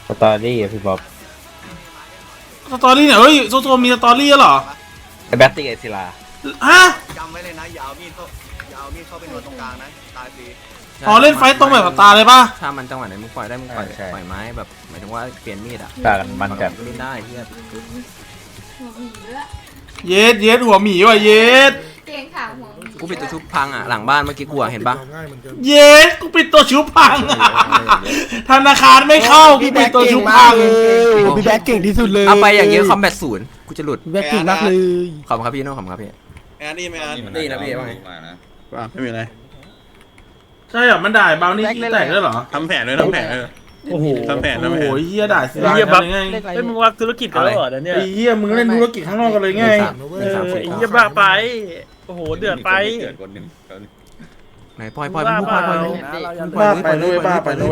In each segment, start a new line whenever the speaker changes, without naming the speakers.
สตอรี่อะพี่บ๊อบ
สตอรี่เนี่ยเฮ้ยโซโซมีสตอรี่เหรอ
ไอ้แบตตี้ไอศิลา
ฮะ
จำไว้เลยนะอย่าเอามีดเข้าไปนวดตรงกลางนะตายฟรี
อ๋อเล่นไฟตรงแบบตาเลยป่ะ
ถ้ามันจังหวะไหนมึงปล่อยได้มึงปล่อยไม้แบบหมายถึงว่าเปลี่ยนมีดอ่ะ
กันมันกัน
เล่นได้เฮีย
เย็ดหัวหมีว่ะเย็ด
เก่งค่ะหัว
กูปิดตัวชุบพังอ่ะหลังบ้านเมื่อกี้กูเห็นปะ
เย็ดกูปิดตัวชุบพังธนาคารไม่เข้ากูปิดตัวชุบพัง
พี่แบ็คเก่งที่สุดเลย
เอาไปอย่างเงี้ยคอมแบท0กูจะหลุด
พี่แบ็คเก่งมากเลย
ขอบคุณครับพี่โน้ขอบคุณครับพี่
แอนนี่ไหมแอน
นี่นะพี่ว่าไง
ไม่มีอะไร
ใช่เหรอมันด่าเบานี่ขี้แตกด้วยเหรอ
ทำแผนเลยทำแผนโอ้โหทำแผน
โอ้โหเฮียด่าสิ
เฮียบัฟ
ไง
ไอ้มึงว่าธุรกิจกันแล้วเหรอเนี่ย
ไอ้เฮียมึงเล่นธุรกิจข้างนอกกันเลยไง
ไอ้เฮียบ้าไปโอ้โหเดือดไป
ไหนปล่อยมึงปล่อย
ไปเลย
ปล่อย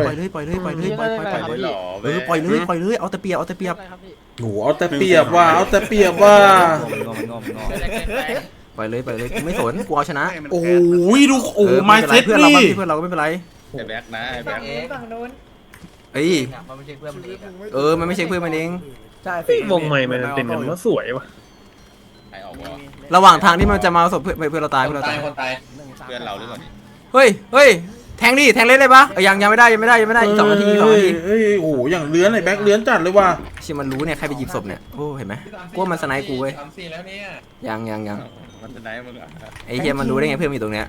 เลยเอาแต่เปียบ
โหเอาแต่เปรียบว่า
ปล่อยเลยไม่สนกูเอาชนะ
โอ้ยดูโอ้ไมเซ็ต
เพื่อนเราก็ไม่เป็นไร
ไอ้แบ็คนะไอ้แบ็ค
ฝั่งนู้น
เอ้ยมันไม่ใช่เพื่อนมันเอง
ใช่วงใหม่มันเป็นกันว่าสวยวะ
ระหว่างทางที่มันจะมาศพเพื่อนเราตาย
คนตายเพื่อนเราหรือเปล่า
เฮ้ยแทงเล่นได้ปะยังไม่ได้อีก2 นาที
เฮ้ยโอ้โหอย่างเลื้อนไอ้แบ็คเลื้อนจัดเลยว่ะ
ชิมันรู้เนี่ยใครไปหยิบศพเนี่ยโอ้เห็นไหมกูมันสไนกูเว้ยยัง
มันสไนมึง
ไอ้เหี้ยมันรู้ได้ไงเพื่อนมีตรงเนี้ย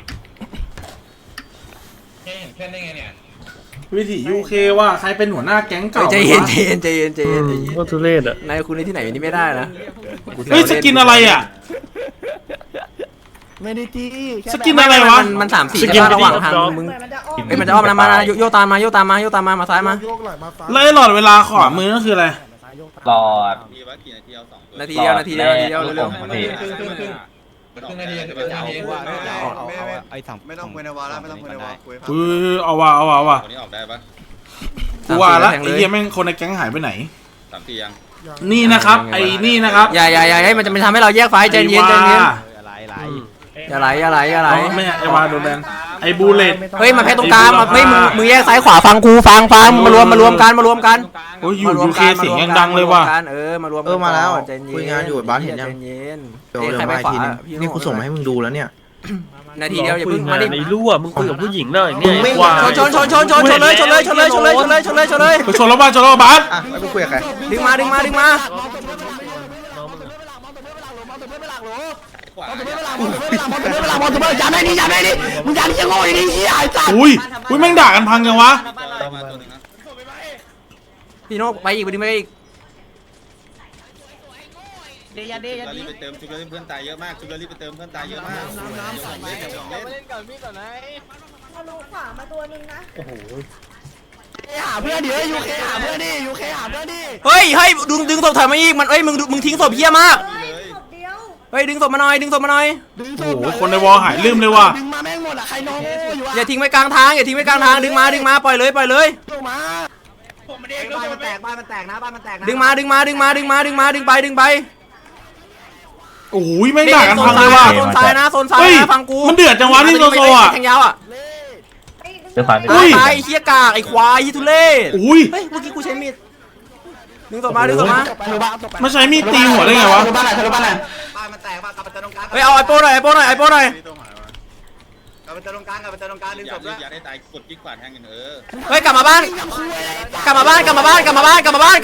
เพื่อนได้ไงเนี่ย
วิถียูเคว่าใครเป็นหัวหน้าแก๊งเก่า
ใจเย็น
ก็ทุเรศอ่ะ
นายคุณในที่ไหนนี่ไม่ได้นะ
เฮ้ยสกินอะไรอ่ะ
ไม่ได้ตี
สกินอะไรวะ
มัน3-4ระหว่างทางมึงมันจะอ้อมนะมาโยตามมามาซ้ายมา
แล้วไอ้หลอดเวลาขวามือนั่นคืออะไร
หลอด
นาทีเดียวเร็ว
ไม่ต้องคุยในวาระไม่ต้องคุยในวาระคุย
เอาว่ะ
คนนี้ออกได้ปะ
กูว่าละไอ้เหี้ยแม่งคนในแก๊งหายไปไหน
3 ทียัง
นี่นะครับไอ้นี่นะครับ
อย่าให้มันจะทำให้เราแยกไฟใจเย็นอย่าไหล
ไม่ไอ้วาโดนแบนไอ้บูเลต
เฮ้ยมาแพ้ตรงกลางไม่มึงแยกซ้ายขวาฟังกูฟังมารวมกัน
โอ้ยยูเคเสียงยังดังเลยว่ะ
มารวม
มาแล้วคุยงานอยู่บ้านเห็นยังเดี๋ยวมาทีนึงนี่กูส่งมาให้มึงดูแล้วเนี่ย
นาทีเดียวอย่าเพิ่งมาดิ
ไอ้รั่วมึงคุยกับผู้หญิงได้เนี่ย
ชนเลยชนแล้ว
บ้าน
ไม่คุยกับใคร
ดึงมาอย่าได้ดิมึงอย่าดิจะโง่ดิเหี้ยไอ้สัตว์
อุ้ยแม่งด่ากันพังยังวะ
พี่โนไปอีก
ชุบแล้วรีบไปเติมชุบแล้วเพื่อนตายเยอะมากชุบแล้วรีบไปเติมเพื่อนตายเยอะมาก
เล่นก่อนพี่ก่อนนะเอาลูกขวามาตัวนึงนะโอ้โห
หาเพื่อนดิยูเคหาเพื่อนดิ
เฮ้ยดึงศพถอยมาอีกมันมึงทิ้งศพเหี้ยมากเฮ้ยดึงศพมาหน่อย
โอ้โหคนในวอลหายลืมเลยว่ะ
ดึงมาแม่งหมดอ่ะใครน้องอยู่
อย่าทิ้งไว้กลางทางดึงมาปล่อยเลย
ลงมา
บ้านมันแตกนะบ้านมันแตกนะ
ดึงไป
โอ้ยแม่งด่ากันพังเลยว่ะ
โซนซ้ายนะฟังกู
มันเดือดจังวะที่โซอ่ะ
แทงยาวอ่ะตายเหี้ยกากไอ้ควายทุเรศเฮ้ยเมื่อกี้กูใช้มีดดึงศพมา
ไม่ใช้มีดตีหัวได้ไงวะ
บ้านมันแตกกลับไปตรงกลาง
เฮ้ยเอาไอ้โป้หน่อยกลับไปตรงกลาง
ดึงศพด้วยอย่าได้ตายกดกิ๊กกวาดแทงกัน
เฮ้ยกลับมาบ้าน
เพื่อนหน่อย
กลับมาบ้านกลับมา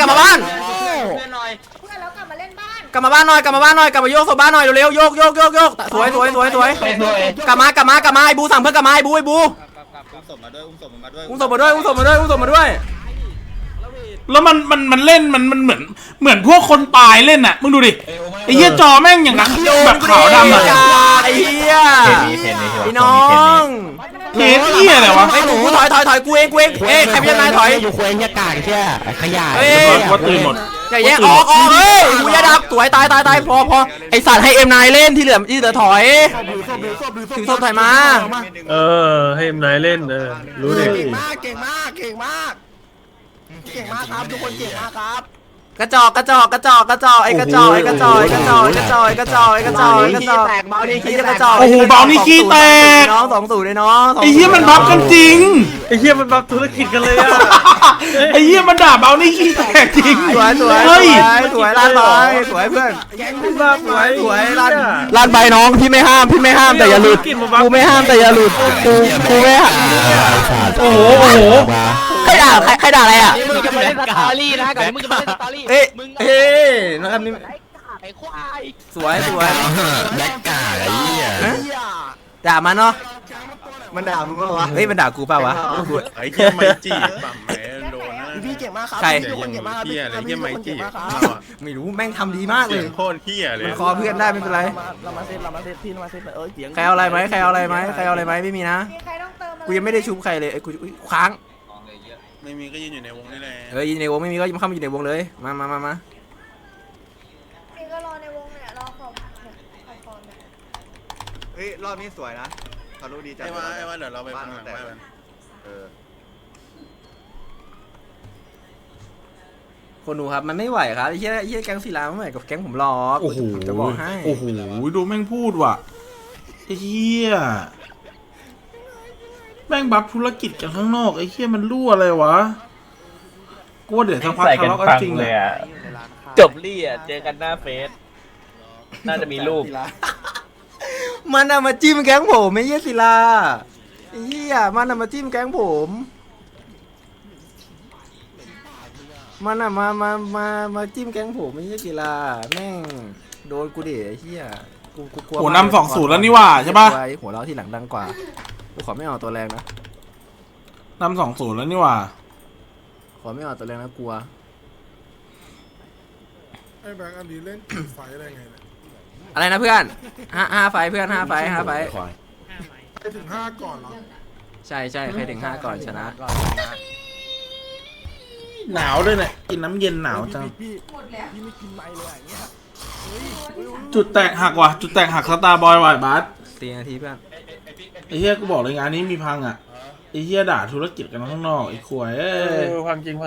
โยกศพบ้านหน่อยเร็วๆโยกสวยกลับมาไอ้บูสั่งเพื่อนกลับมาไอ้บู
อุ้มศพมา
ด้วย
แล้วมันเล่นมันเหมือนพวกคนตายเล่นน่ะมึงดูดิไอ้เหี้ยจอแม่งอย่างนั้นแบบขาวดำอะ
ไอ้เหี้ยไอ้น้อง
เหี้ยอะไรวะ
ไอ้หนูถอยกูเองใครเป็นนายถอย
อยู่คุยยากาแค่ขยะ
ว่าตื่นหมด
อย่าแย่งออกเฮ้ยกูอย่าดับสวยตายพอไอสัตว์ให้M9เล่นที่เหลือถอยถึงศพถอยมา
ให้M9เล่นรู้ดิ
เก่งมากครับทุกคนเก่งมากครับ
กระจอกไอ้กระจอกไอ้กระจอกไอ้กระจอกไอ้กระจอกไอ้กระจอกไอ้กระจอกไอ้กระจอกไอ้กระจอกไอ้กระจอกไอ้กระจอกแตกเบาดิขี้กระจอก
โอ้โหเบานี่ขี้แตก
น้อง2-0เลยน้อง
ไอ้เหี้ยมันบัฟกันจริง
ไอ้เหี้ยมันบัฟธุรกิจกันเลยอ่ะ
ไอ้เหี้ยมันด่าเบานี่ขี้แตกจริง
สวยสวย
เฮ้ย
สวยลั่นไปสวยเพื่อน
บัฟสวย
สวยลั่นไปน้องพี่ไม่ห้ามแต่อย่าหลุดกูไม่ห้ามแต่อย่าหลุดกูไม่ห้าม
โอ้โหโอ้โห
ใครด่าอะไรอ่ะ
มึงจะมาเล่นสตอรี่นะก่อนมึงจะมาเล่นสตอรี่
เอ๊ะ
มึง
เอ๊ะนะครับนี่
ไอ้ควาย
สวย
แบล็กกาไอ้เหี้ย
ด่ามันเนาะมันด่ามึงเปล่าวะเฮ้ยมันด่ากูเปล่าวะ
ไอ้เหี้ยไม่จีบปั๊มแหมโดนนะ
พี่เก่งมากครับ
ใคร
เหี้ยเหี้ยอะไรเหี้ยไม่จีบ
ไม่รู้แม่งทำดีมากเล
เสี
ย
ยงโคตรเหี้ยเลย
มันคอเพื่อนได้ไม่เป็นไร
เรามาเซตพี่เรามาเซตเสียง
ใครเอาอะไรไหมไม่มีนะ
มีใครต้องเติมอะไร
กูยังไม่ได้ชุบใครเลยไอ้กูอุ๊ยค้าง
ไม่มีก็ยืนอยู่ในวงนี่แหละ
ยินในวงไม่มีก็เข้ามาอยู่ในวงเลยมา
มีก็รอในวงเนี่ยรอขอบเนี่ย
เฮ้ยรอบนี้สวยนะทะลุดีใจ
ไอ้ว่าเดี๋ยวเราไปฟังหลังบ้านมัน
คนดูครับมันไม่ไหวครับไอ้เหี้ยแก๊งศิลาไม่ไหวกับแก๊งผมหรอก
โอ้โห
จะบอกให้
โอ้โหดูแม่งพูดว่ะไอ้เหี้ยแม่งบัฟธุรกิจกันข้างนอกไอ้เหี้ยมันรั่วอะไรวะกูว่าเดี๋ยวสักพัก
ใส่
ทะ
กัน
เลาะกัน
ฟัง
จริง
เลย
อะ
อ่ะจบลี่อ่ะเจอกันหน้าเฟซน่าจะมีรูป
มันน่ะมาจิ้มแก๊งผมไม่เหี้ยศิลาไอ้เหี้ยมันน่ะมาจิ้มแก๊งผมมันน่ะมาจิ้มแก๊งผมไม่เหี้ยศิลาแม่งโดนกูดิไอ้เหี้ยกูกลัว
โหนำ2-0แล้วนี่หว่าใช่ปะ
หัวเราะที่หลังดังกว่ากูขอไม่เอาตัวแรงนะ
นำ2-0แล้วนี่หว่า
ขอไม่เอาตัวแรงนะกลัว
ไอ้แบงค์อันนี้เล่นไฟอะไรไงเนี่ย
อะไรนะเพื่อนห้าไฟเพื่อน5 ไฟ
ไปถึง5ก่อนเหรอ
ใช่ใครถึง5ก่อนชนะ
หนาวด้วยเนี่ยกินน้ำเย็นหนาวจัง
พี่ไม่กินไม้เลยอย่างเงี้ย
จุดแตกหักว่ะจุดแตกหักสตาร์บอยว่ะบาส
4 นาทีเพื่อน
ไอ้เหี้ยกูบอกเลยงานนี้มีพังอ่ะไอ้เหี้ยด่าธุรกิจกันข้างนอกไอ้ขวยเอ้ย
ความจริง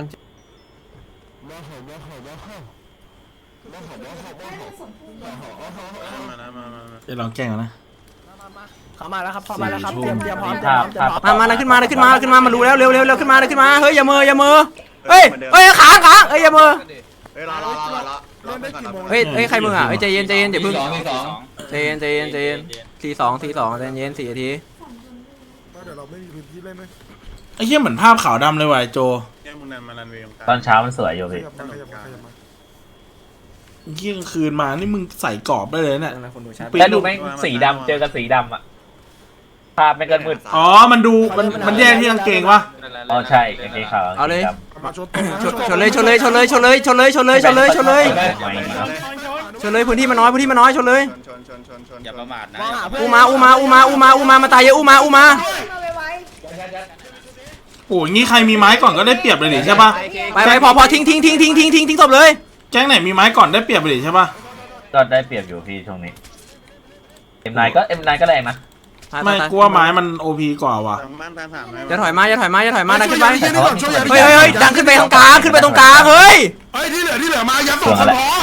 เดี๋ยวลองแกล้งกันนะ
เข้ามาแล้วครับเข้ามาแล้วครับเตรียมพร้อม
มาขึ้นมามารู้แล้วเร็วขึ้นมาเฮ้ยอย่ามือเฮ้ยค้างเฮ้ยอย่ามือ
เฮ้ยรอ
เล่นได้กี่โมง
เฮ้ยใครมึงอ่ะเฮ้ยใจเย็นอย่าพึ่งใจเย็น4-2ใจเย็น4 นาที
เดี๋ยวเราไม่มีพื้นที่เล่นไหม
ไอ้เหี้ยเหมือนภาพขาวดำเลยว่ะไอ้โจ
เนี่ยมึงนันมารันเวย์
ตอนเช้ามันสวยอยู่
ข
พี่
ยับมา
ไอ้เหี้ยกลางคืนมานี่มึงใส่กรอบได้เลยเนี่ย
คนดูชัด
แล้วดูแม่งสีดำเจอกันสีดำอ่ะภาพไม่งก็มืด
อ๋อมันดูมันแยกที่กางเกงวะ
อ๋อใช่กางเกงขาว
เอาเลย
มาชนตรงนะ
ชนเลยพื้นที่มันน้อยชนเลย
อย่าประมาทนะ
อูมามาตายเยอะอูมา
มาไว
โอ้ยงี้ใครมีไม้ก่อนก็ได้เปรียบเลยดิใช่ปะ
ไปพอทิ้งศพเลย
แจ้งไหนมีไม้ก่อนได้เปรียบเลยดิใช่ปะ
ก็ได้เปรียบอยู่พี่ช่วงนี้M9 ก็แรงนะ
ไม่กลัวไม้มันโอพีกว่าว่ะ
บ้านถามไหม
อย่าถอยมาดันขึ้นไป
ช่วยนี่ก่อนช่วย
เฮ้ยดันขึ้นไปตรงกลางเฮ้ย
เฮ้ยที่เหลือมายัด2 คนพอ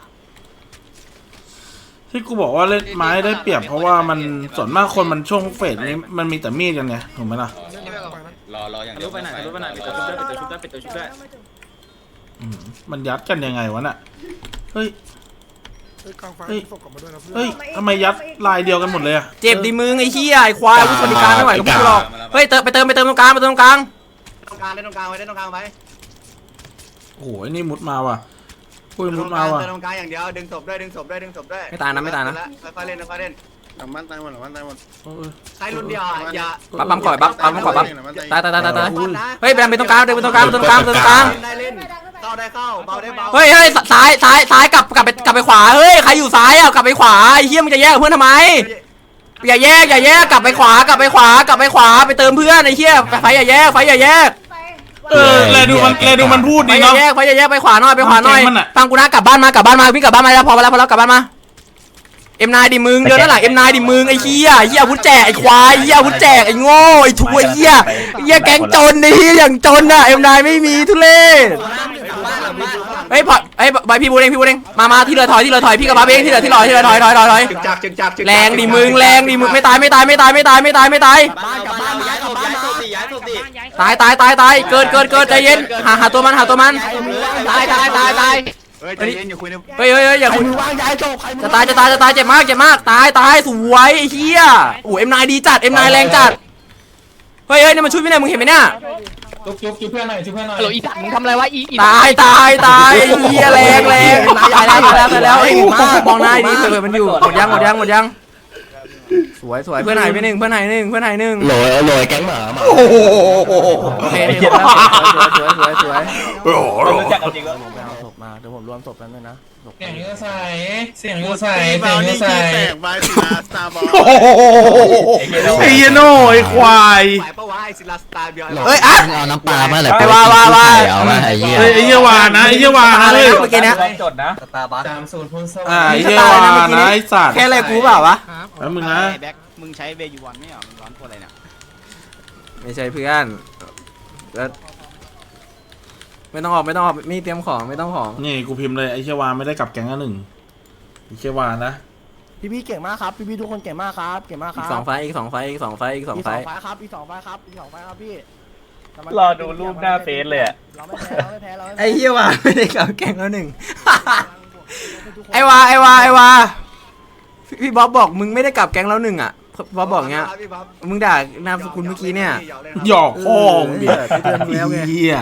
ที่กูบอกว่าเล่นไม้ได้เปรียบเพราะว่ามันส่วนมากคนมันช่วงเฟสนี้มันมีแต่มีดกันไงถูกไหมล่ะ
รออย่างเดียวไปไหนปิดตัวชุบด้วย
มันยัดกันยังไงวะน่ะเฮ้ย
กลางไฟส่งกลับมาด้วยนะเพื่อน
เฮ้ยทำไมยัดลายเดียวกันหมดเลยอะ
เจ็บดิมึงไอ้เหี้ยไอ้ควายวุฒิบริการไม่ไหวกับพวกกูหรอกเฮ้ยไปเติมตรงกลาง
เล่นตรงกลางไว้
โอ้โหไอ้นี่มุดมาว่ะปุ้ยมุดมาว่ะ
ตรงกลางอย่างเดียวดึงศพด้วย
ไม่ตายนะ
ค่อยเล่น
หลังบ้านตายหมด
ใครรุ่นเดียวอย่า
ปั๊มก่อยตายเฮ้ยไปตรงกลางได้เล่น
เข้าได้เข้าเบาได้เบา
เฮ้ยซ้ายกลับไปขวาเฮ้ยใครอยู่ซ้ายอ่ะกลับไปขวาไอ้เหี้ยมึงจะแยกกับเพื่อนทำไมอย่าแยกกลับไปขวาไปเติมเพื่อนไอ้เหี้ยไฟอย่าแยก
แลดูมันพูด
ไฟ
ดี
อย่า
เนาะ
แยกไปขวาหน่อยฟังกูนะกลับบ้านมาวิ่งกลับบ้านมาแล้วพอแล้วกลับบ้านมาM9 ดิมึงเดินด้านหลัง M9 ดิมึงไอ้เหี้ยอาวุธแจกไอ้ควายอาวุธแจกไอ้โง่ไอ้ถุยเหี้ยแก๊งจนไอ้เหี้ยอย่างจนอ่ะ M9 ไม่มีทุเรศเฮ้ยพอเฮ้ยใบพี่บูเองมาที่เรือถอยพี่กับบัฟเองที่เรือถอย
จึกจักจึกจัก
แรงดิมึงไม่ตาย
บ้านกลับบ้านย้ายศพดิย้ายศพดิ
ตายเกิดใจเย็นหาตัวมันตายเฮ้ยอย่าคุย
ว่างย้ายศพใคร
จะตายเจ็บมากตายสวยไอ้เหี้ยโอ้ M9 ดีจัด M9 แรงจัดเฮ้ยนี่มันช่วยไม่ได้มึงเห็นไหมเนี่ย
จุ๊บเพื่อนหน่อย
ฮัลโหลอีสัตว์มึงทำอะไรวะอี
ตายไอ้เหี้ยแรงตายแล้วไอ้มองหน้าดีเผื่อมันอยู่หมดยังสวยเพื่อนหายไปหนึ่ง
โหลยแก๊งหมา
โอเคสวย
รู้จักกันจริงแล้ว
ผมไปเอาศพมาเดี๋ยวผมรวมศพกันด้วยนะ
เสียงยูใส่เสียงยูใส่เสียงยูใส่
ไว้สินะสตาร์บอล
ไอ้เหี้ยโน่ไอ้ควาย
ไหวปะวะไอซิลาสตาร์เบียร์
เฮ้ยอ่ะ
เอาน้ำปลามาเลย
ไอ้ว่า
เอามาไอ้เหี้ย
ไอ้เหี้ยวานะเฮ้ย
เมื่อกี้เนี่ย
จดนะ
30พูนสวรร
ไอ้
ค์
เหี้ยวานะไอ้สัตว์
แค่อะไรกูเปล่าวะ
แล้วมึงนะ
แบ็คมึงใช้เบยูวันไม่เหรอมึงร้อนตัวอะไรเนี่ย
ไม่ใช่เพื่อนแล้วไม่ต้องออกมีเตรียมของไม่ต้องของ
นี่กูพิมพ์เลยไอ้เหี้ยวาไม่ได้กลับแก๊งละหนึ่งไอ้เหี้ยวานะ
พี่เก่งมากครับพี่ทุกคนเก่งมากครับ
อีกสองไฟพี่
รอดูรูปหน้าเฟซเลยอะ
เราไม่แพ้
ไอ้เหี้ยวาไม่ได้กลับแก๊งแล้วหนึ่งไอ้วาพี่บ๊อบบอกมึงไม่ได้กลับแก๊งแล้วหนึ่งอ่ะบ๊อบบอกเงี้ยมึงด่านามสกุลเมื่อกี้เนี่ย
หยอกพ่อมึงดิ
พี่เตือนมึงแล้วไง
เหี้ย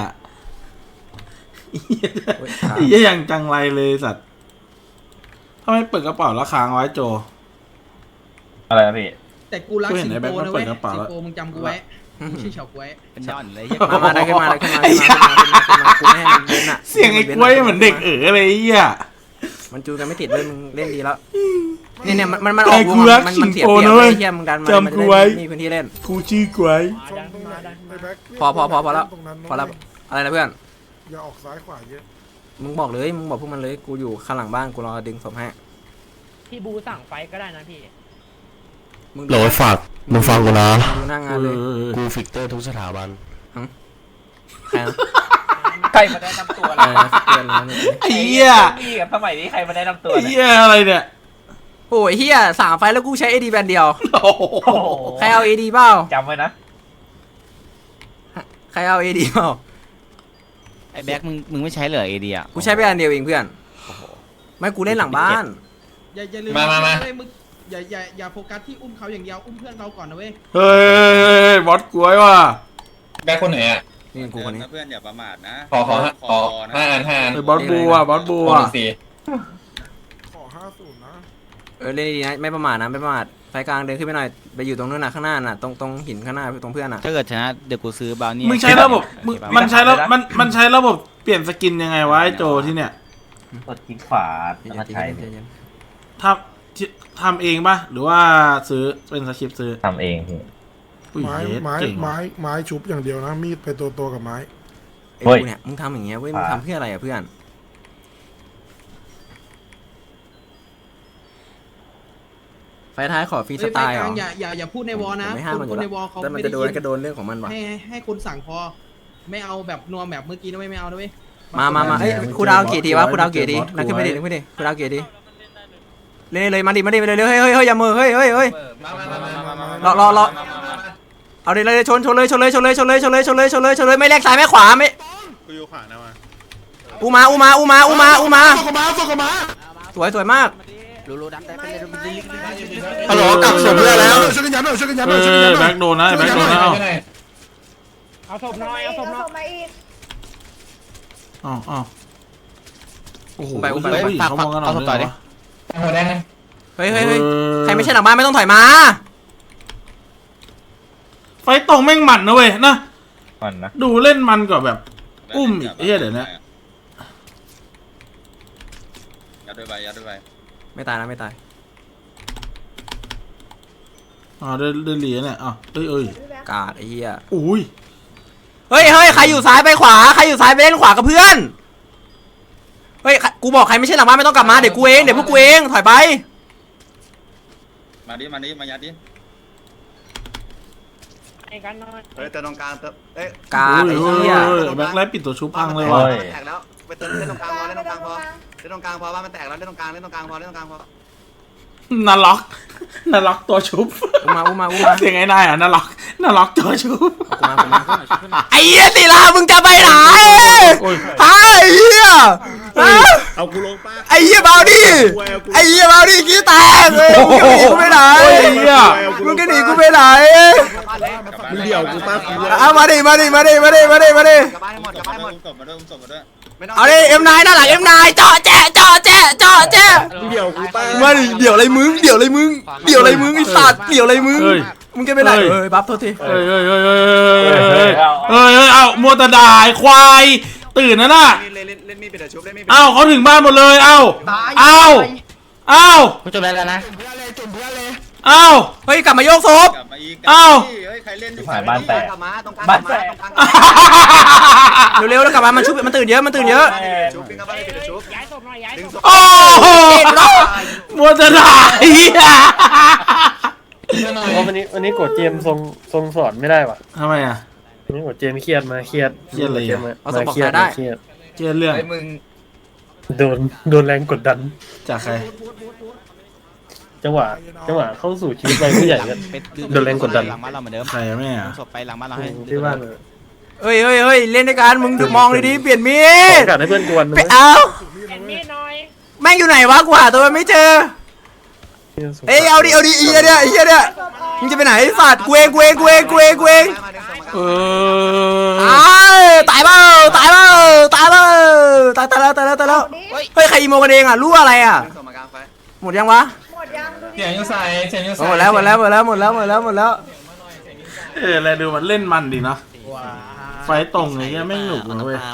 ไอ้เหี้ยอย่างจังไรเลยสัตว์ทำไมเปิดกระเป๋าแล้วค้างไว้โจ
อะไรนะพี่
แต่กูรักสิงโตนะเว้ยสิงโตมึงจำกูไว้ไม่ใช่เฉาก๊วย
เป็นดอนเลย
มาได้ขึ้นมากูไม่ให้มึงเล่นอ่ะ
เสียงไอ้กล้วยเหมือนเด็กอะไรไอ้เหี้ย
มันจูกันไม่ติดเลยมึงเล่นดีแล้วเนี่ยมันออกวงมันเสียเปรียบเลยเฮียมึงดันมันจะได้มีพื้นที่เล่น
กูชื่อกล้วย
ชนตรงนั้นไอ้แบ็ค
พอแล้ว
ตรงนั้น
พอแล้วอะไรนะเพื่อน
อย่าออกซ้ายขวาเยอะ
มึงบอกพวกมันเลยกูอยู่ข้างหลังบ้านกูรอดึงศพให้
พี่บูสั่งไฟก็ได้นะพี่
มึง
โหลยฝากมึงฟังกูนะ
ดูหน้างานเลย
กูฟิกเตอร์ทุกสถาบัน
ใคร
ใครมาแนะนำตัว
อะไรนะเตือนนะ
ไอ้เหี้ย
พี่กับสมัยนี้ใครมาแนะนำตัว
ไอ้
เนี่ย
เหี้ยอะไรเนี่ย
โอ้ยเฮีย3 ไฟแล้วกูใช้ AD แบนเดียว
โอ้โห
โอ้โห
ใครเอา AD เปล่า
จำไว้นะ
ใครเอา AD เปล่า
ไอ้แบ็คมึงไม่ใช้เหรอเอเดีย
กูใช้ไปอันเดียวเองเพื่อนไม่กูเล่นหลังบ้าน
อย่าลืมเลยมึงอย่าโฟกัสที่อุ้มเขาอย่างเดียวอุ้มเพื่อนเราก่อนนะเว้ย
เฮ้ยบอสกล้วยว่ะ
แบ็คคนไหนอ่ะ
นี่กูคนนี้
เพื่อนอย่าประมาทนะ
เฮ้ยบอสบัวบอสบัว
ขอ50นะ
เล่นดีๆนะไม่ประมาทไฟกลางเดินขึ้นไปหน่อยไปอยู่ตรงนู้นน่ะข้างหน้าน่ะตรงหินข้างหน้าตรงเพื่อนน่ะ
ถ้าเกิดชนะเดี๋ยวกูซื้อบราวนี่
มึงใช้ระบบมันใช้ระบบเปลี่ยนสกินยังไงวะไอ้โจที่เนี่ย
กดคลิกขวาแล้วก็ใช้
ทำเองป่ะหรือว่าซื้อเป็นสคริปต์ซื้อ
ทำเองพี่
อุ้ย
ไม้
เย็ด
ไม้
เก่ง
ไม้ไม้ชุบอย่างเดียวนะ มีดไปตัวกับไม้
ไอ้กูเนี่ยมึงทำอย่างเงี้ยเว้ยมึงทำเพื่ออะไรอ่ะเพื่อนไฟท้ายขอฟรีสไตล์เหรอ
อย่าพูดในวอลนะ
ไม่ห้ามมันอ
ค
ยู่
น
แล้
ในวอลเขา
แต่มัน
ไม่
จะ
ได้
โด
ยิ
น
น
ก็โดนเรื่องของมันวะ
ให้คนสั่งพอไม่เอาแบบนัวแบบเมื่อกี้นะไม่เอานะเว้ย
มาเอ้ยครูดาวกี่ทีวะครูดาวกี่ทีนั่งขึ้นไปดิครูดาวกี่ทีเล่นเลยมาดิเร็วเฮ้ยอย่ามือเฮ้ยรอเอาดิเลยชนเลยไม่แลกซ้ายไม่ขวาไม่
กูอยู่ขวานะมา
อูมา
ส่งกับมา
สวยมาก
รู้ดันแต่ไปเลย
ฮัลโหลกลับส่งเพื่อนแล้ว
ช่วยกันยันหน่อยช่วยกันยันห
เอ
น่อยช่วยกันยัน
อ
หน่
แบ็
อย
คโดนนะแบ็คโดนนะ
เอาศพหน่อยเอาศพมาอีก
อ้าวโอ้โห
ไป
เขามองกันหน่อยเลย
หัวแดง
เฮ้ยใครไม่ใช่หลังบ้านไม่ต้องถอยมา
ไฟตรงแม่งมันนะเว้ยนะ
ก่อนนะ
ดูเล่นมันกว่าแบบอุ้มอีกเดี๋ยวนะ
ยัดด้วยไป
ไม่ตายนะไม่ตาย
เดินเหลียเนี่ยเอ้ย
กาดไอ้เหี้ย
อุ้ย
เฮ้ยใครอยู่ซ้ายไปขวาใครอยู่ซ้ายไปเล่นขวากับเพื่อนเฮ้ยกูบอกใครไม่ใช่หลังบ้านไม่ต้องกลับมาเดี๋ยวพวกกูเองถอยไป
มายัดดิ
ไอ้กันหน่อย
เฮ้ยแต่ตรงกลางเอ้ย
กาดไอ้เหี้ย
แบ็คไลท์ปิดตัวชุบพังเลย
โอ้
ว่ะ
ย
แตกแล้วไปเติมเล่นตรงกลางพอเล่นตรงกลางพอเล่นตรงกลางพอว่ามันแตกแล้วเล่นตรงกลางเล่นตรงกลางพอเล่นตรงกลางพอ
นาล็อกนาล็อกตัวชุบ
อุ้มมา
เสียงไอ้นายอ่ะนาล็อกตัวชุบ
ไอ้เหี้ยศิลามึงจะไปไหนไอ้เหี้ย
เอากูลงป้า
ไอ้เหี้ยเบาดิไอ้เหี้ยเบาดิขี้แตกเลยมึงจะหนีกูไปไหนมึงจะหนีกูไปไหน
มึงเดี่ยวกูป้ากู
เอามาดิ
กลับบ้านให้หมดกลับบ้านให้หมด
ส่งมาด้วยส่งมาด้วย
เอาดิเอ็มนายด้านหลังเอ็มนายเจาะแจ๊ะ
มึงเดี่ยวกูป้า
มาดิเดี๋ยวอะไรมึงไอ้สัตว์เดี๋ยวอะไรมึงมึงจะไปไหนบัฟโทษที
เอ้ามัวแต่ด่าไอ้ควายตื่นนะน่ะ
เล่นมีดไปเดี๋ยวชุบเล่นมีด
เอ้าเขาถึงบ้านหมดเลยเอ้า
กูจบแล้วนะ
เอ้า
เฮ้ยกลับมาโยกศพ
กลับมาอีก
เอ้า
เฮ้ยใครเล่นอยู่
หายบ้านแตก
กลับมาตรงกลาง
บ้านแตก
เร็วๆแล้วกลับมามันชุบมันตื่นเยอะ
ชุบปิ้งกลับบ้านเลยเดี๋ยวชุบดึงศพ
โอ้โหมัวแต่ด่าไอ้เหี้ย
วันนี้กดเจมทรงสอนไม่ได้ว่ะ
ทำไมอ่ะ
วันนี้กดเจมเครียดมาเครียด
เครียดอะไรอ่ะ
มาเครียด
เจอเรื่อง
โดนแรงกดดัน
จากใคร
จังหวะเข้าสู่ชีวิตวัยผู้ใหญ่กันโดนแรงกดดัน
หลังบ้านเราเหมือนเดิม
ใครอะแม่อะ
ศพไปหลังบ้านเราให้
ที่บ้านเลย
เฮ้ยเล่นด้วยกันมึงมองดีๆเปลี่ยนมี
โอ
ด
กาสให้เพื่อนกวน
ไปเอาแม่งอยู่ไหนวะกูหาตัวมันไม่เจอเอ้ยเอาดิไอ้เหี้ยเนี่ยมึงจะไปไหนสัตว์กูเอง
เออ
ตายแล้วเฮ้ยใครอีโมกันเองอ่ะรู้อะไรอ่ะ
ดึงศพมากลางไฟ
หมดยังวะ
หมดยัง
เสียงยังใส่เสียงยังใส่
หมดแล้ว
อะไรดูมันเล่นมันดีเนาะไฟตรงไอ้เงี้ยแม่งหนุกนะเว้ย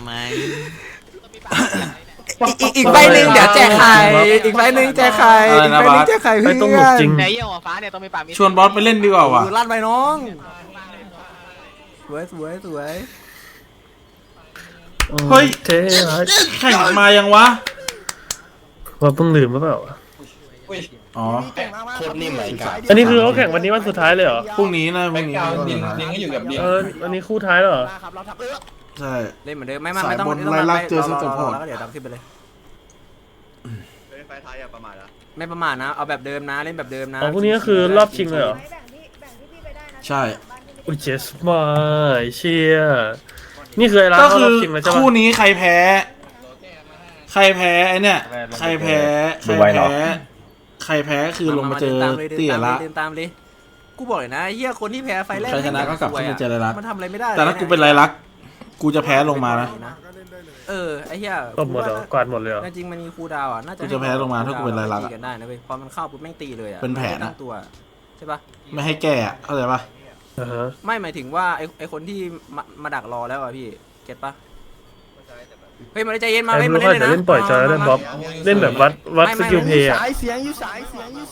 อีกใบหนึ่งเดี๋ยวแจกไข่อีกใบหนึ่งแจกไข่
ไปตรงหนุกจริง
ไหนเยี่ยวฟ้าเนี่ยต้องมีปากมี
ชวนบอสไปเล่นดีกว่าวะ
ลั่นไปน้องสวย
เฮ้ย
เท่
แข่งมายังวะ
ว่าเพิ่งลืมหรือเปล่า
อ๋อ
โคตรนิ่มเลยกัน
อันนี้คือเขาแข่งวันนี้วันสุดท้ายเลยเหรอ
พรุ่งนี้นะพรุ่งนี้
ดิงก็อยู่กับดิง
อันนี้คู่ท้ายแล้วเหรอ
ใช่
เล่นเหมือนเดิมไม่ต้อง
สายบนไล่ลักเจอสเต็ปโหด
แล้วก็เดี๋ยวดับขึ้นไปเลย
ไฟท้ายอย่าประมาทนะ
ไม่ประมาทนะเอาแบบเดิมนะเล่นแบบเดิมนะ
อ๋อพรุ่งนี้ก็คือรอบชิงเลยเหรอ
แบ่งที่พี่ไปได้นะ
ใช่
อุ้ยเจสมาเชียนี่คือไอ้ร้าน
ก็
เขา
คื
ร
อ
อบชิงแล้วใช่ปะ
คู่นี้ใครแพ้ไอเนี่ยใครแพ้คือลงมาเจอเตี่ยละ
เดินตามเลยกูบอกเลยนะเฮียคนที่แพ้ไฟแรก
ใครชนะก็กลับขึ้นไปเจอไรลักษณ์
มันทำอะไรไม่ได้
แต่ถ้ากูเป็นไรลักษณ์กูจะแพ้ลงมานะ
ไอ้เฮีย
ตบหมดเหรอกวาดหมดเลยเหรอ
จริงมันมีคูดาวอ่ะน่าจะ
กูจะแพ้ลงมาถ้ากูเป็นไรลักษณ์
ตีกันได้นะเว้ยพอมันเข้าปุ๊บแม่งตีเลยอ่ะ
เป็นแผนอะ
ตั้งตัวใช่ปะ
ไม่ให้แก้อะเข้าใจปะ
อ่าฮะ
ไม่หมายถึงว่าไอ้คนที่มาดักรอแล้วอ่ะพี่เก็ตปะเฮ้ยมาใจเย็นมา
ไอ้
เล่น
มึ
มาง เล่น
ก็
เลย
จะ
นะ
เล่นปล่อยจอยเล่นบ๊อบเล่นแบบวัดสกิลเพย์อะ
เสียงอยู่สาย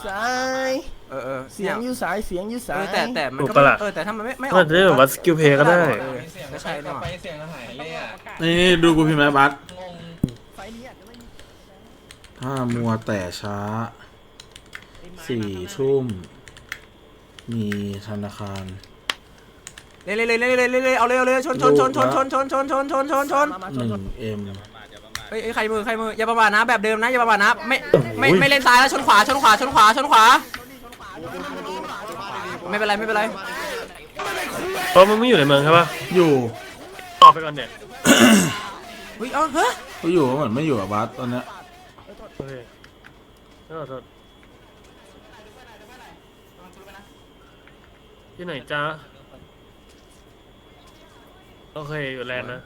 แต่มัน
ถูก
ก็
ปะล่ะ
แต่ถ้ามันไม่อ
ก็
อก
จะเล่นแบบวัดสกิลเพย์ก็ได้
ก็ใช่เนี่ยว่ะ
เสียงหายเลยอ่ะ
นี่ดูกูพิมพ์แล้วบัสถ้ามัวแต่ช้า4 ทุ่มมีธนาคาร
เล่นเอาเลยชน1M เฮ้ยใครมืออย่าประมาทนะแบบเดิมนะอย่าประมาทนะไม่เล่นซ้ายแล้วชนขวาไม่เป็นไร
เพราะมันไม่อยู่ในเมืองใช่ปะ
อยู่
ออกไปก่อนเนี่ย
เฮ้ยเฮ้ย
ก็อยู่เหมือนไม่อยู่อะบัสตอนเนี้ย
โอเคขอโทษที่ไหนจ้าโอเคอยู่แลนด์นะ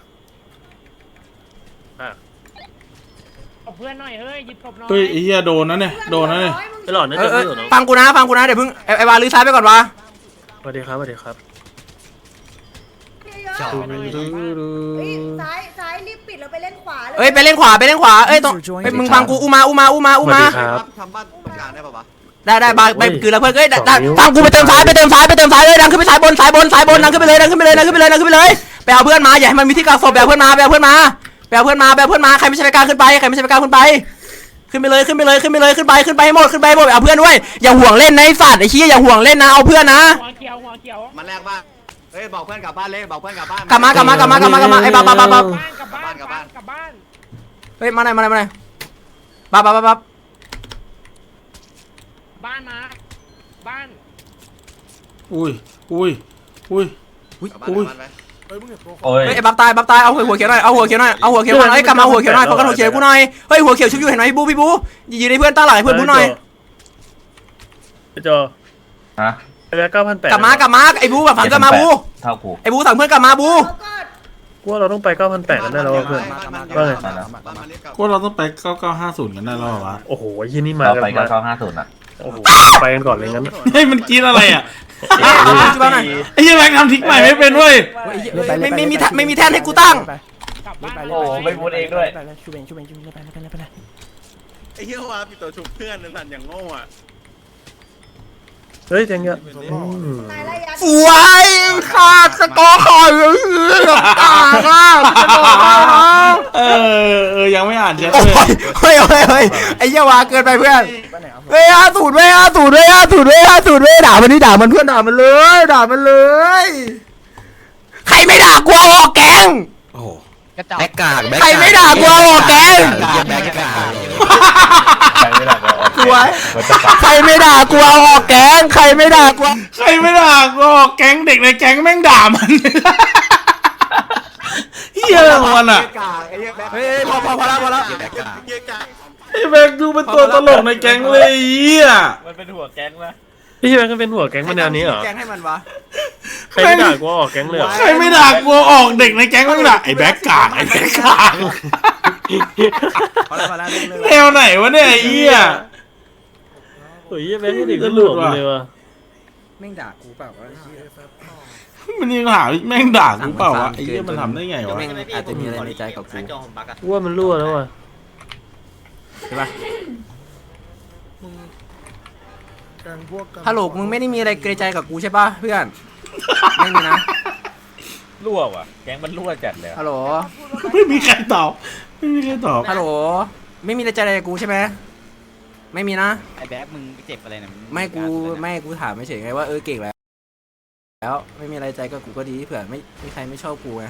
อ่ะ
เพื่อนหน่อยเฮ้ยหยิบศพหน่อย
เฮ้ยไอ้เหี้ยโดนนะเนี่ย
ไอ้หลอดน่าจะไม่อยู่เนาะ
ฟังกูนะเดี๋ยวเพิ่งไอ้วาลื้อซ้ายไปก่อนวะ
สวัสดีครับ
ซ้ายรีบปิดแล้วไปเล่นขวาเลย
เอ้ยไปเล่นขวาเอ้ยตรงมึงฟังกูอูมา
สวัสดีครับ
ทำบ้านตรงกลางได้ป่าวะ
ได้บาไปคือแล้วเพื่อนเอ้ยฟังกูไปเติมซ้ายเลยดังขึ้นไปซ้ายบนดังขึ้นไปเลยไปเอาเพื่อนมาอย่าให้มันมีที่กักศพไปเอาเพื่อนมาใครไม่ใช่ไปกลางขึ้นไปขึ้นไปเลยขึ้นไปให้หมดเอาเพื่อนด้วยอย่าห่วงเล่นนะไอ้สัตว์ไอ้เหี้ยอย่าห่วงเล่นนะเอาเพื่อนนะ
หัวเขียว
มันแรกบ้านเฮ้ยบอกเพื่อนกลับบ้านเลยบอกเพื่อนกลับบ้าน
กลับมาไอ้บ้า
กลับบ้าน
ฮ้ยมาหน่อยปั๊บ
บ้านมาบ้าน
อุ้ย
เฮ้ยมึงเห็นตัว
โอ้ย
เฮ้ยบับตายเอาหัวเขียวหน่อยเอาหัวเขียวหน่อยเฮ้ยกลับมาหัวเขียวหน่อยโฟกัสหัวเขียวกูหน่อยเฮ้ยหัวเขียวชุบอยู่เห็นไหมพี่บูยืนในเพื่อนตาหลังให้เพื่อนบูหน่อย
ไอ้จอ
ฮะ
ไอ้แบก9,800
กลับมาไอ้บูแบบฝันกลับมาบู
เท่ากู
ไอ้บูสั่งเพื่อนกลับมาบู
กูว่าเราต้องไป9,800กันได้แล้วเพื่อนว่าไง
ก็เราต้องไป9950กันได้แล้ววะ
โอ้โหยี่นี่มา
เรา
กัน
ไป
มา
9950อ่ะ
โอ้โหไปกันก่อนเลยงั้น
เฮ้ยมันกินอะไรอ่ะ
ช่วยหน่อย
ไอ้เหี้ยแม็กทำทิกใหม่ไม่เป็นเว้ย
ไม่มีแท่นให้กูตั้ง
กลับบ้าน
โอ้ไม่พูดเองด้วย
ไอ้เหี้ยว่าพี่ตัวชุบเพื่อนนั่นสั่นอย่างโง่อะ
เฮ้ยเจ๋งเยอะ
สวยขาดสกอร์ขอย
ยังไม่อ่านแชท
โอ้
เลย
เฮ้ยไอ้เหี้ยวาเกินไปเพื่อนเฮ้ย50ด่ามันนี่ด่ามันเพื่อนด่ามันเลยใครไม่ด่ากูเอาออกแกง
โอ้โห
กระจอก
แบ็กกาก
ใครไม่ด่ากูเอาออกแกง
แบ็กกาก
ใครไม่ได้ก็ออก
สวย
มันจะปัก
ใครไม่ด่ากูเอาออกแกงใครไม่ด่ากู
ใครไม่ด่าก็แก๊งเด็กในแก๊งแม่งด่ามันเฮียอะไรของมันอ่ะ
เฮ้ยพอแล้ว
แบ็กกาก
เหี้ยกะ
ไอ้แม็กดูเป็นตัวตลกในแก๊งเลยเฮีย
มันเป็นหัวแก๊งนะ
พี่แบกก็เป็นหัวแก๊งมาแนวนี้เหรอ
แกงให้มันวะ
ใครไม่ด่ากูออกแก๊งเลยเหรอ
ใครไม่ด่ากูออกเด็กในแก๊งแม่งด่าไอ้แบ็กกาก
พอแล้ว
แนวไหนวะเนี่ยไอ้เฮีย
โอ้ยแบกให้เด็กหลวมเลยว่ะ
แม่งด่ากูเปล่าวะ
มันยังหาแม่งด่ากูเปล่าวะไอ้เฮียมันทำได้ไงวะ
แม่งอาจจะมีอะไรในใจกับกู
จอผมบักอะ
กูว่ามันรั่วแล้วว่ะ
ใช่ปะ
แกงพวกกัน
ฮัลโหลมึงไม่ได้มีอะไรเกรงใจกับกูใช่ปะเพื่อนไม่มีนะ
รั่วว่ะแก๊งมันรั่วจัดเลยอะ
ฮัลโหล
ไม่มีใครตอบ
ฮัลโหลไม่มีอะไรใจอะไรกับกูใช่ไหมไม่มีนะ
ไอ้แบ๊กมึงเจ็บอะไรเนี่ย
ไม่กูถามไม่เฉยไงว่าเก่งแล้วไม่มีอะไรใจกับกูก็ดีเผื่อไม่มีใครไม่ชอบกูไง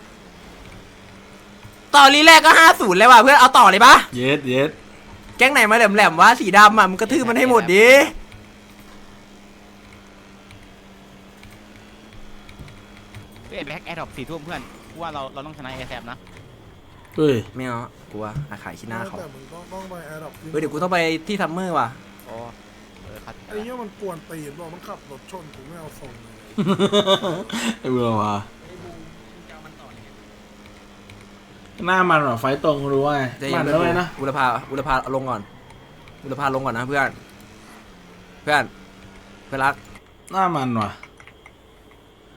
ต่อรีแรกก็50เลยว่ะเพื่อนเอาต่อเลยปะ
เยส
แก๊งไหนมาแหลมๆวะสีดำอ่ะมึงกระทืบมันให้หมดดิ
ไอ้แบ๊กแอร์ดรอป4 ทุ่มเพื่อนกูว่าเราต้องชนะไอ้แซมนะ
เฮ้ย
ไม่เอากูว่าขายขี้หน้าเขา
แต่มึงต้องไปแอร์ดรอป
เดี๋ยวกูต้องไปที่ซัมเมอร์ว่ะ
โอ้ครับ
ไอ้เหี้ยมันกวนตีนบอกมันขับรถชนกูไม่เอาส่งเลย
ไอ้เบื่อว่ะหน้ามันเหรอไฟตรงรู้ว่าไง
ใจเย็
มัน
น
แล้วไงนะ
อุลภาลงก่อนอุลภาลงก่อนนะเพื่อนเพื่อนรัก
หน้ามันว่ะ